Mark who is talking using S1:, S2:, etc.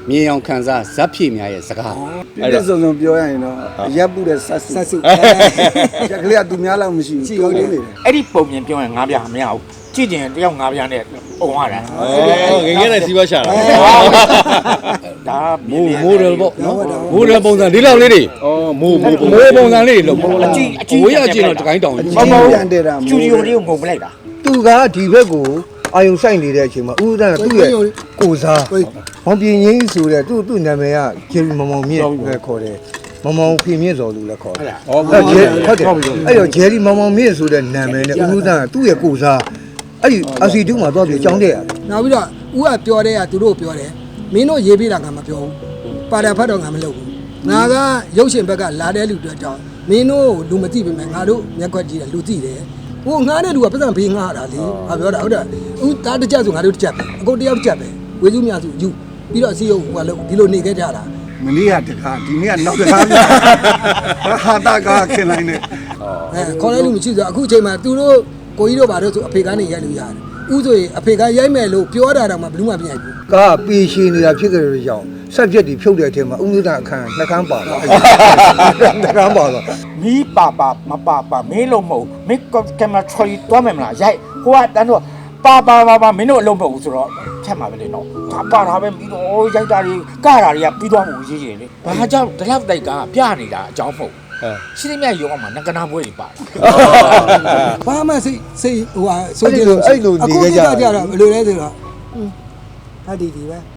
S1: မြေအောင်ခံစားဇက်ဖြည့်များရဲ့စကား
S2: အဲ့ဒါစုံပြောရရင်တော့ရပ်ပုတဲ့ဆက်စုရက်ကလေးကသူများလောက်မရှိဘူးဟုတ်တယ်လေ
S3: အဲ့ဒီပုံမြင်ပြောရင်ငါးပြမရဘူးကြည့်ကျင်တယောက်ငါးပြနဲ့ပုံရတာ
S1: ငငယ်နဲ့စီးပွားရှာတာ
S3: ဒါ
S1: မိုးတယ်ပေါ့နော်မိုးတယ်ပုံစံဒီလောက်လေးတွေဩမိုးပုံစံလေးတွေလို့ဝေးရကျင်တော့တကိုင်းတောင်
S2: ပြန်တယ်တာ
S3: စတူဒီယိုလေးကိုငုံပလိုက်တာ
S4: သူကဒီဘက်ကိုအာယုံဆိုင်နေတဲ့အချိန်မှာဦးဦးတန်းကသူ့ရဲ့ကိုစားမောင်ပြင်းကြီးဆိုတဲ့သူ့နာမည်ကဂျယ်ရီမောင်မြင့်ပဲခေါ်တယ်မောင်ဖေမြင့်စော်လူလည်းခေါ်တယ်ဟုတ်တယ်အဲ့တော့ဂျယ်ရီမောင်မြင့်ဆိုတဲ့နာမည်နဲ့ဦးဦးတန်းကသူ့ရဲ့ကိုစားအဲ့ဒီအစီတူးမှာသွားပြီးအကြောင်းတဲ့ရတယ်
S5: နောက်ပြီးတော့ဦးကပြောတဲ့ကသူတို့ပြောတယ်မင်းတို့ရေးပြတာကမပြောဘူးပါတာဖတ်တော့ငါမလုပ်ဘူးငါကရုပ်ရှင်ဘက်ကလာတဲ့လူတွေအကြောင်းမင်းတို့လူမသိပေမဲ့ငါတို့မျက်ခွက်ကြည့်တယ်လူသိတယ်ဟိုငါးတဲ့လူကပတ်စံဖေးငါတာလေငါပြောတာဟုတ်တယ်ဦးတားတစ်ချက်ဆိုငါတို့တစ်ချက်ပဲအကုန်တယောက်တစ်ချက်ပဲဝေစုမြစုယူပြီးတော့အစီရုပ်ဟိုကလို့ဒီလိုနေခဲ့ကြတာ
S2: မလေးကတခါဒီနေ့ကနောက်တခါဟာတာကခင်လိုက်နေ
S5: ခေါ်လိုက်လို့မရှိဆိုအခုအချိန်မှာသူတို့ကိုကြီးတို့ဘာလို့ဆိုအဖေကနေရိုက်လို့ရတယ်ဦးဆိုရင်အဖေကရိုက်မယ်လို့ပြောတာတော့မှဘယ်သူမှမရိုက်ဘူး
S4: ကားပေရှင်နေတာဖြစ်ကြတဲ့ကြောင့်ဆက်ပြက်ဒီဖြုတ်တဲ့အချိန်မှာဦးဦးတန်းအခန်းနှကန်းပါတော့နှကန်းပါတော့
S3: မီးပါမပါမင်းလုံးမဟုတ်မင်းကင်မရာထရီတွားမယ်မလားရိုက်ဟိုကတန်းတော့ပါမင်းတို့အလုံးမဟုတ်ဘူးဆိုတော့ဖြတ်မှာပဲလေနော်ဒါပါတာပဲပြီးတော့ရိုက်တာတွေကတာတွေကပြီးသွားမှုရေးတယ်လေဘာကြောင့်ဒီလောက်တိုက်ကပြနေတာအကြောင်းမဟုတ်ရှင်းမြတ်ရုံမှာငကနာပွဲတွေပါတာ
S5: ဘာမှစိတ်ဟိုဟာဆိုကြည့်လို့
S4: အဲ့လိုနေကြကြ
S5: အခုကြတော့ဘယ်လိုလဲဆိုတော့ဟာဒီပဲ